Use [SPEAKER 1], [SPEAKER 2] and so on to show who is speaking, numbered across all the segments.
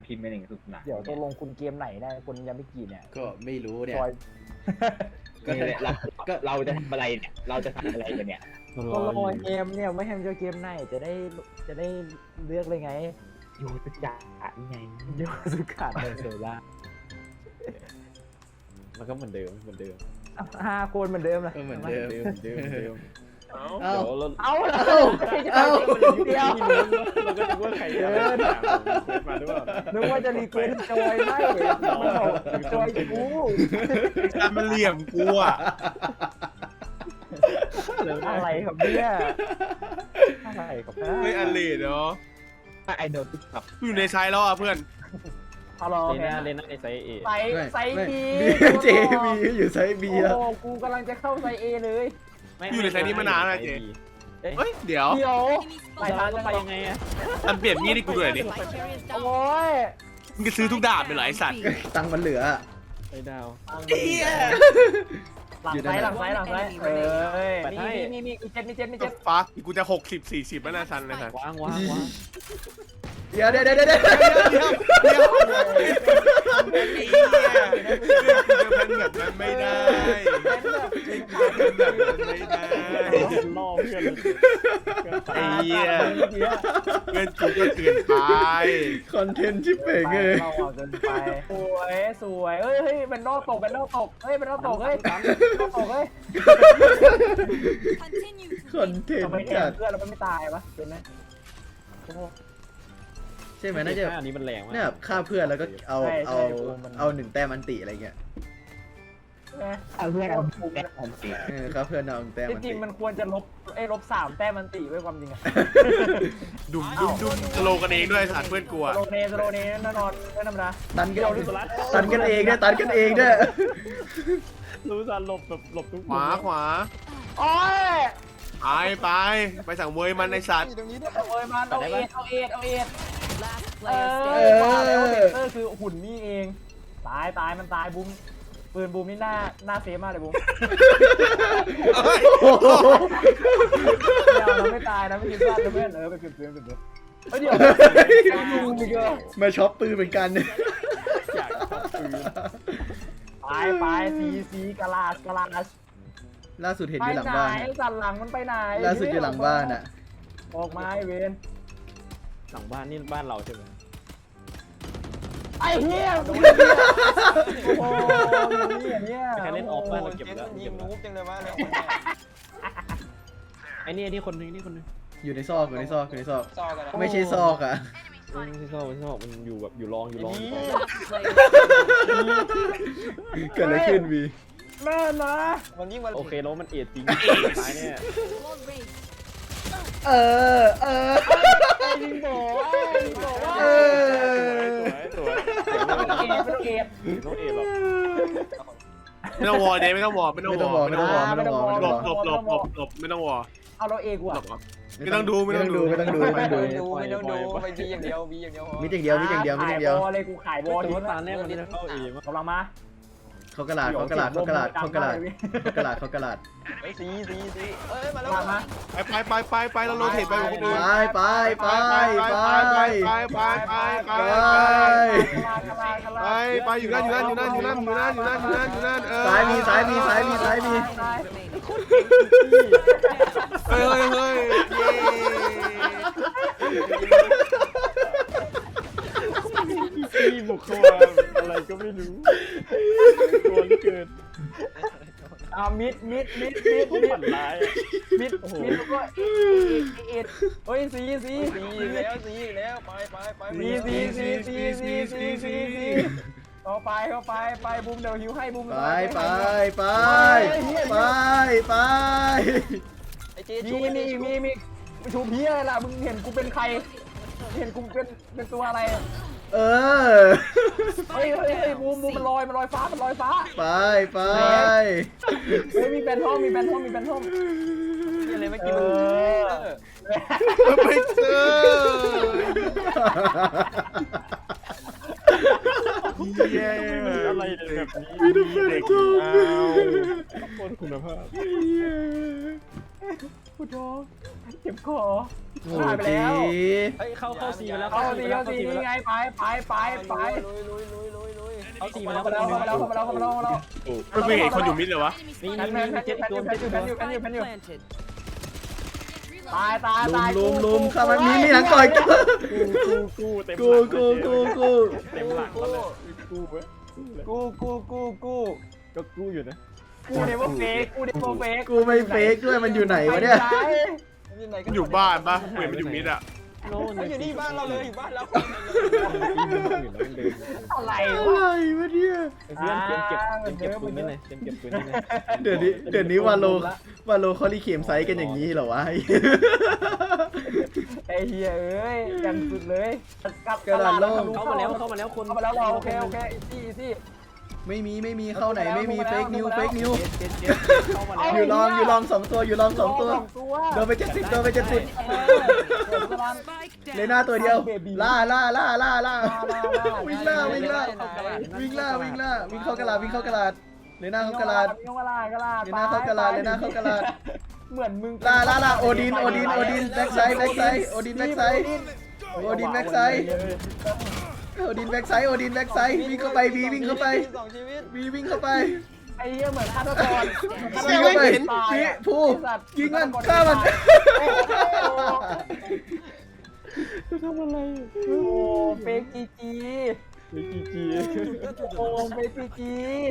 [SPEAKER 1] พิมพ์เป็นอย่างสุดหนัก
[SPEAKER 2] เดี๋ยวตกลงคุณเกมไหนได้คนยามิกิเนี่ย
[SPEAKER 3] ก็ไม่รู้เนี่ย
[SPEAKER 2] ซอย
[SPEAKER 1] ก็เราจะทำอะไรเนี่ยเราจะทำอะไรกันเนี่ย
[SPEAKER 2] ก็รอเกมเนี่ยไม่ให้มันเจอเกมไหนจะได้เลือกเลยไง
[SPEAKER 1] โยตุจ่าไง
[SPEAKER 2] โยสุกะเดโซล่า
[SPEAKER 4] มันก็เหมือนเดิม
[SPEAKER 2] 5 คนเหมือนเดิมเลย
[SPEAKER 3] ก็เหมือนเดิม
[SPEAKER 4] เอ้า
[SPEAKER 2] เอาเลย
[SPEAKER 3] เอ้า
[SPEAKER 2] เดียว
[SPEAKER 4] เราก็นึกว่าใครจะมาหรือเปล่า
[SPEAKER 2] นึกว่าจะรีเควสจอยไม่มันบอกจอยกู
[SPEAKER 5] การมันเหลี่ยมกูอ่ะ
[SPEAKER 2] อะไรครับเนี่ยอะไรครับ
[SPEAKER 5] เฮ้ยอันเลดเนาะ
[SPEAKER 1] ไอโดนติ๊กต็อก
[SPEAKER 5] กูอยู่ในไซส์แล้วอ่ะเพื่อน
[SPEAKER 2] ฮัลโหล
[SPEAKER 4] เลน่าในไซส์เอ
[SPEAKER 2] ไซบี
[SPEAKER 3] เจมีอยู่ไซส์บีแล้ว
[SPEAKER 2] โอ้กูกำลังจะเข้าไซเอเลย
[SPEAKER 5] อยู่ในไซส์นี้มานานแล้วเจ เฮ้ยเดี๋ยว
[SPEAKER 2] เดี๋ยว
[SPEAKER 4] ไปทางไปยังไงอะ
[SPEAKER 5] อันเปลี่ยนมีดให้กูด้วยดิ
[SPEAKER 2] โอ้ย
[SPEAKER 5] มึงจะซื้อทุกดาบเลยเหรอไอสัตว์
[SPEAKER 3] ตังค์มันเหลือ
[SPEAKER 4] ไอ้ดาว
[SPEAKER 5] เฮีย
[SPEAKER 2] หลังไซเอ้ยมีเจ็ด
[SPEAKER 5] ฟักกูจะ60-40แล้วนะซันเลยครับ
[SPEAKER 4] วาง
[SPEAKER 3] เดี๋ยว
[SPEAKER 5] เดี๋ยวเดี๋ยวเป็นแบบนั้นไม่ได้เป็นแบบนั้นไม่ได้
[SPEAKER 4] ล่อเพื่อน
[SPEAKER 5] ไอ้เหี้ยเพื่อนกูก็เกินไป
[SPEAKER 3] คอนเทนต์ชิปเป่งเลย
[SPEAKER 2] เราเอาเกินไปสวยเฮ้ยเป็นนอกตกเฮ้ยเป็นนอกตกเฮ้ย
[SPEAKER 3] คอนเทน
[SPEAKER 2] ทำไม
[SPEAKER 3] ต์
[SPEAKER 2] แท
[SPEAKER 3] จั
[SPEAKER 2] น
[SPEAKER 3] ด
[SPEAKER 2] เพื่อนเราไม่ตายปะเป็นไหม
[SPEAKER 3] ใช่ไหมน่าจะ
[SPEAKER 4] อันนี้มันแรงมาก
[SPEAKER 3] เนี่ยฆ่าเพื่อนแล้วก็เอา1 แต้มอันติอะไรเงี้ย
[SPEAKER 1] เอาเพื่อนเอาแบ็คอมสิ
[SPEAKER 3] ฆ่าเพื่อนเอา1 แต้ม
[SPEAKER 2] จ
[SPEAKER 3] อัน
[SPEAKER 2] ริ
[SPEAKER 3] ติ
[SPEAKER 2] งมันควรจะลบ3 แต้มมันตีไว้ความจริงอะ
[SPEAKER 5] ดุมสโลกันเองด้วยสัตว์เพื่อนกูอะ
[SPEAKER 2] โรเนแน่นอนไม่ธรรมดา
[SPEAKER 3] ตันกันเองด้วย
[SPEAKER 4] รู้ซันหลบแบบหลบทุก
[SPEAKER 5] ขวา
[SPEAKER 2] โอ้ย
[SPEAKER 5] ไปสั่งมวยมันในสัตว์
[SPEAKER 2] โอ้ยมันเอาเอ็ดคือหุ่นนี่เองตายมันตายบูมปืนบูมนี่หน้าเซฟมากเลยบูมเราไม่ตายนะไม่คิดว่าเพื่อนไปเก็บเพื่อนเดี๋ยว
[SPEAKER 3] มาช็อปปืนเหมือนกัน
[SPEAKER 4] อยากชอบปืน
[SPEAKER 2] ไปซีกาลาช
[SPEAKER 3] ล่าสุดเห็นอยู่หลังบ้าน
[SPEAKER 2] สันหลังมันไปไหน
[SPEAKER 3] ล่าสุดอยู่หลังบ้านอ่ะ
[SPEAKER 2] ออกมาไอเวน
[SPEAKER 4] หลังบ้านนี่บ้านเราใช่ไหม
[SPEAKER 2] ไอ้เหี้ยโอ้โหเนี่ย
[SPEAKER 4] ใครเล่นออฟบ้านเราเก็บแล้ว
[SPEAKER 6] ยิงนูบจังเลยว่าเนี่ย
[SPEAKER 4] ไอ้นี่คนนึง
[SPEAKER 3] อยู่ในซอก
[SPEAKER 6] ซอกกันนะ
[SPEAKER 3] ไม่ใช่ซอกอ่ะ
[SPEAKER 4] ที่ชอบมันอยู่แบบอยู่รอง
[SPEAKER 3] เกิดอะไรขึ้นวี
[SPEAKER 2] แม่นะ
[SPEAKER 6] มันยิ่งมัน
[SPEAKER 4] โอเคแล้วมันเอ็ดจริงตายเนี่ย
[SPEAKER 2] ยิงโบว่า
[SPEAKER 4] สวย
[SPEAKER 2] ต้องเอ็ด
[SPEAKER 4] ต้องเอ็ดหรอก
[SPEAKER 5] ไม่ต้องวอร์เดย์ไม่ต้องวอร์
[SPEAKER 3] ไม่ต้องวอ
[SPEAKER 5] หลบไม่ต้องวอร์
[SPEAKER 2] เอาเราเอกว่ะ
[SPEAKER 5] ไม่ต้องดู
[SPEAKER 6] ไม่ต้องดูไปบีอย่างเดียว
[SPEAKER 3] มิดอย่างเดียว
[SPEAKER 2] เลยกูขายบอล
[SPEAKER 4] ตัวตาแน่มันจะเข้าเอง
[SPEAKER 2] กำลังมา
[SPEAKER 3] เขากระลาด
[SPEAKER 6] ไอ้ซีเอ้ยมาแล้ว
[SPEAKER 2] มา
[SPEAKER 5] ไปแล้วโรเทตไปคนอื่น
[SPEAKER 3] ไป
[SPEAKER 5] อยู่นั่น
[SPEAKER 3] ซ้ายมี
[SPEAKER 5] เฮ้ย
[SPEAKER 4] ที่บุกเข้ามาอะไรก็ไม่รู้ตัวเกิน
[SPEAKER 2] มิด
[SPEAKER 4] ฝันร้าย
[SPEAKER 2] มิดก็เอ็ดเฮ้ยซี
[SPEAKER 6] แล้วไป
[SPEAKER 2] เข้าไปบูมเดี๋ยวหิวให้บูม
[SPEAKER 3] ไป
[SPEAKER 6] ไอ้เจ
[SPEAKER 2] มีชูพี่อะไรล่ะมึงเห็นกูเป็นใครเห็นกูเป็นตัวอะไรเฮ้ยบูมมันลอยฟ้า
[SPEAKER 3] ไป
[SPEAKER 2] เฮ้ยมีแบนท่อม
[SPEAKER 6] อะไรเมื่อกี้
[SPEAKER 5] ไม่เจอเย้
[SPEAKER 4] อะไรแบบนี้
[SPEAKER 5] เด็กเอา
[SPEAKER 4] คนคุณภาพ
[SPEAKER 2] กูท้องเจ็บคอ
[SPEAKER 3] โอ้
[SPEAKER 2] หายไป
[SPEAKER 3] จี
[SPEAKER 2] แล้ว
[SPEAKER 4] เฮ้ยเข้าซีมาแล้ว
[SPEAKER 2] เข้าสิเข้าสินี่ไงไป
[SPEAKER 6] ลุยลุย
[SPEAKER 4] เข้าซีมาแล้ว
[SPEAKER 2] เข้ามาแล้วเข้ามาแล้วเข้ามาแล้วเข้ามาแล้ว
[SPEAKER 5] ไม่เคยเห็นคนอยู่มิดเลยวะ
[SPEAKER 4] นี่
[SPEAKER 2] แพน
[SPEAKER 4] นี่
[SPEAKER 2] แพน
[SPEAKER 4] เจ็บตัว
[SPEAKER 2] แพนอยู่
[SPEAKER 7] Planted.
[SPEAKER 2] ตายตายตาย
[SPEAKER 3] ลุมเข้ามามีหลังก่อยตัว
[SPEAKER 4] กูเต็ม
[SPEAKER 3] กู
[SPEAKER 4] เต็มหลังเลยกูเว้ย
[SPEAKER 2] กู
[SPEAKER 4] ก็กูอยู่นะ
[SPEAKER 2] กูเดโมเฟกกูเดโมเฟก
[SPEAKER 3] กูไม่เฟกด้วยมันอยู่ไหนวะเนี่ย
[SPEAKER 5] มันอยู่บ้านปะเห็นมันอยู่มิดอะ
[SPEAKER 4] โน่น
[SPEAKER 6] อยู่นี่บ้านเราเลยอยู่บ้านเรา
[SPEAKER 2] อะไร
[SPEAKER 3] อะไรวะเนี่ย
[SPEAKER 4] เพื่อนเก็บปืนนี่เลยเก็บปืนนี่เลย
[SPEAKER 3] เดี๋ยวนี้วาโลเขารีเข็มไซส์กันอย่างนี้เหรอวะ
[SPEAKER 2] ไอ้เหี้ยเอ้ยยังสุดเลยกลับ
[SPEAKER 4] เข้ามาแล้วคน
[SPEAKER 2] เข้ามาแล้วโอเคซี่
[SPEAKER 3] ไม่มีเข้าไหนไม่มีเฟกนิว
[SPEAKER 4] เข้ามาแล้ว
[SPEAKER 3] อยู่ลอง2 ตัวอยู่ลอง2 ตัวโดนไป70เลน่าตัวเดียวล่าวิ่งเข้ากระลาดเลน่าเข้ากระลาด
[SPEAKER 2] เหมือนมึง
[SPEAKER 3] ล่าโอดินแบ็กไซด์โอดินแบ็กไซด์วิ่งเข้าไปวีวิ่งเข้าไป วิ่งเข้าไป
[SPEAKER 2] ไอ้เหี้ยเหมือนฆาตกร
[SPEAKER 3] วิ่งเข้าไปพี่ผู้ยิงมันฆ่ามัน
[SPEAKER 4] ทำอะไร
[SPEAKER 2] โอ้เฟกจีจี
[SPEAKER 4] จี
[SPEAKER 2] โอ้เฟกจีจี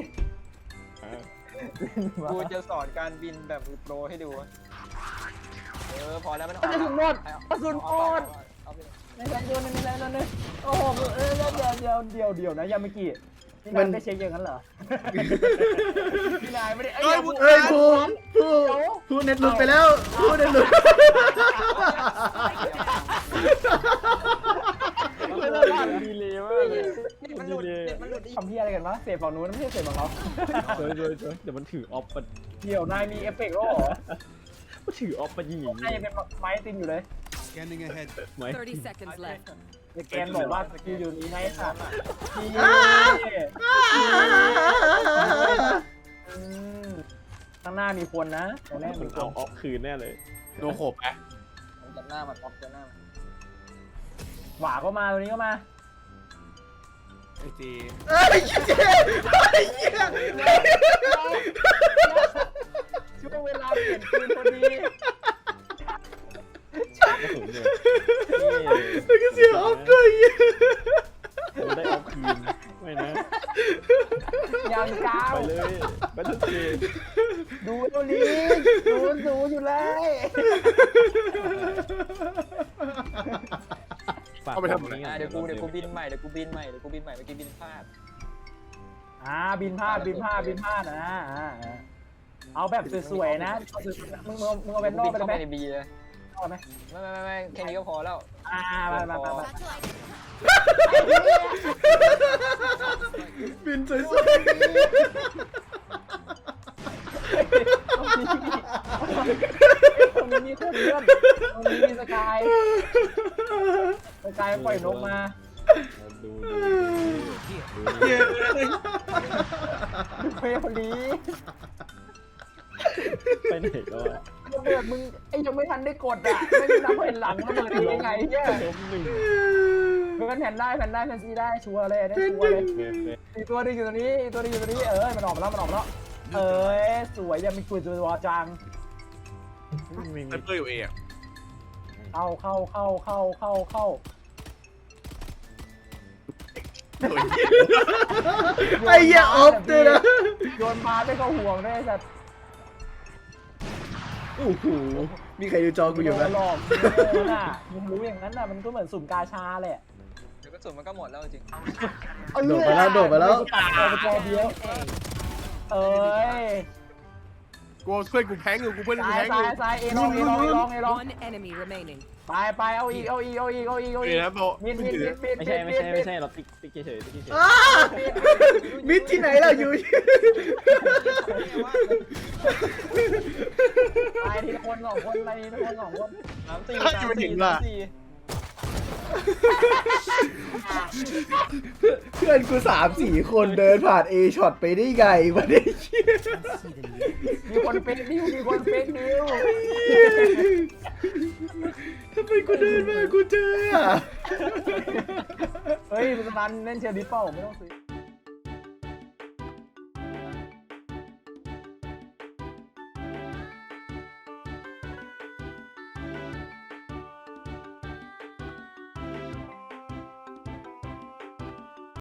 [SPEAKER 6] กูจะสอนการบินแบบมือโปรให้ดูพอแล้วมัน
[SPEAKER 2] กระสุนหมดในแรงโยนเลยโอ้โหเดี๋ยวนะยังไม่กี่พี่นายได้เช็คอย่างนั้นเหรอพี่นายไม่ได้เอ้ย
[SPEAKER 3] ผู้เน็ตหลุดไปแล้วผู้เน็ตหลุด
[SPEAKER 4] ดีเลยมากเลย
[SPEAKER 6] มันหลุดอีก
[SPEAKER 2] ทำที่อะไรกันวะเสพฝั่งนู้นไม่ใช่เสพฝั่งเรา
[SPEAKER 4] เดี๋ยวมันถือออฟมัน
[SPEAKER 2] เดี๋ยวนายมีเอฟเฟกต์หรอ
[SPEAKER 4] ถือออฟมายิงอย่าง
[SPEAKER 2] นายยังเป็นไม้ตินอยู่เลย
[SPEAKER 5] Scanning ahead
[SPEAKER 4] ไหม
[SPEAKER 7] 30 seconds left.
[SPEAKER 2] แกนบอกว่าสกิลอยู่นี้ไงค่ะข้างหน้ามีคนนะตรงนี้
[SPEAKER 4] มั
[SPEAKER 2] มี
[SPEAKER 4] น
[SPEAKER 2] ค
[SPEAKER 4] เอา
[SPEAKER 2] น
[SPEAKER 4] ออฟคืนแน่เลย
[SPEAKER 5] โดนโขบไป
[SPEAKER 6] จับหน้ามันออฟจับหน้ามัน
[SPEAKER 2] หวาก็มาตรงนี้ก็มา
[SPEAKER 5] ไอจี
[SPEAKER 2] ช่วงเวลาเปลี่ยนปืนพอดี
[SPEAKER 3] ก็เสียออฟด้วย
[SPEAKER 4] ได้ออฟคืนไม่นะ
[SPEAKER 2] ยังก้าว
[SPEAKER 4] ไปเลยไปทุกที
[SPEAKER 2] ดูตัวนี้ดูอยู่เลย
[SPEAKER 6] เดี๋ยวกูบินใหม่เมื่อกี้บินพลาด
[SPEAKER 2] บินพลาดนะเอาแบบสวยๆนะมึงเอาเป็นนอกไป
[SPEAKER 6] เข้า
[SPEAKER 2] ไหม
[SPEAKER 6] ไปในบีเลย
[SPEAKER 2] เอาไหม
[SPEAKER 6] ไม่แค่นี้ก็พอแล้ว
[SPEAKER 2] มา
[SPEAKER 3] บินสวย
[SPEAKER 2] ตรงนี้มีคนเลื่อนตรงนี้มีสกายปล่อยนกมา
[SPEAKER 4] ดู
[SPEAKER 2] เฟย์คนนี้
[SPEAKER 4] ไปไหนก็
[SPEAKER 2] ระเบิดมึงไอ้ยังไม่ทันได้กดอ่ะไม่ได้นับเห็นหลังระเบิดได้ยังไงเนี่ย
[SPEAKER 4] ล้มหนึ่ง
[SPEAKER 2] เพื่อนแผ่นได้แผ่นซีได้ชัวร์เลยได้ชัวร์เลยอีกตัวนึงอยู่ตรงนี้มันออกมาแล้วเอ้ยสวยยังมีกุยตัวจัง
[SPEAKER 5] ไซเปอร์อยู่เอง
[SPEAKER 2] เข้า
[SPEAKER 3] ไอ้เหี้ยออฟด้วยนะ
[SPEAKER 2] โยนพาไม่เข้าห่วงได้จัด
[SPEAKER 3] โอ้โหมีใครดูจอกูอยู่ไหม
[SPEAKER 2] หลอกน่ะมึงรู้อย่างนั้นน่ะมันก็เหมือนสุ่มกาชาแหละ
[SPEAKER 6] เดี๋ยวก็สุดมันก็หมดแล้วจริง
[SPEAKER 3] โดดไปแล้ว
[SPEAKER 2] ตัดตัวไปตัวเดียวเอ้ย
[SPEAKER 5] กูเพื่อนกูแพ้งอยู่กูเพื่อนกูแพ้งอยู่
[SPEAKER 2] ซ้ายเอลอง
[SPEAKER 7] One enemy remaining.
[SPEAKER 2] ไปเอาอีก
[SPEAKER 5] เดี๋ยวนะโบ
[SPEAKER 2] มิด
[SPEAKER 4] ไม่ใช่เราติ๊กเฉย
[SPEAKER 3] มิดที่ไหนเราอยู่
[SPEAKER 2] ไปทีละคน2 คนไปทีละคน2 คน
[SPEAKER 6] 3-4
[SPEAKER 3] เพื่อนกู3-4 คนเดินผ่าน A ช็อตไปได้ไงวะเนี่ย
[SPEAKER 2] มีคนเฟกนิวมีคนเฟกนิว
[SPEAKER 3] ทำไมกูเดินมากูเจออ่ะ
[SPEAKER 2] เฮ้ยมันเล่นเชียร์ดิปเปิลไม่ต้องซื้อ